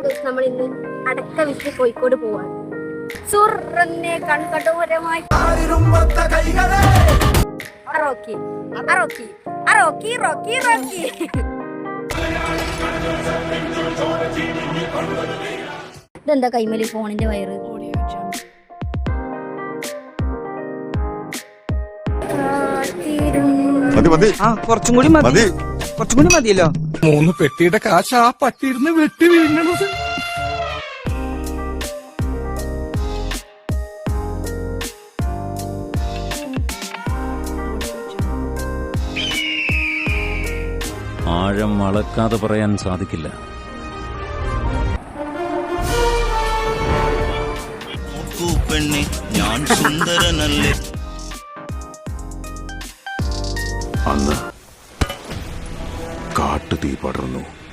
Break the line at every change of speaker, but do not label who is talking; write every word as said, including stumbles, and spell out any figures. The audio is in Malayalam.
നമ്മൾ ഇന്ന് അടക്ക വിറ്റ് കോഴിക്കോട് പോവാണ്. സുറന്നെ കൺകടോരമായി Rocky Rocky Rocky Rocky Rocky ഇതെന്താ കൈമലി ഫോണിന്റെ വയറ്?
കുറച്ചും കൂടി മതി, കുറച്ചും കൂടി മതിയല്ലോ.
മൂന്ന് പെട്ടിയുടെ കാശ് ആ പട്ടിയിരുന്ന് വെട്ടി വീഴുന്നത്.
ആഴം അളക്കാതെ പറയാൻ സാധിക്കില്ല.
പെണ്ണെ ഞാൻ സുന്ദരനല്ലേ.
അന്ന് കാട്ടുതീ പടർന്നു.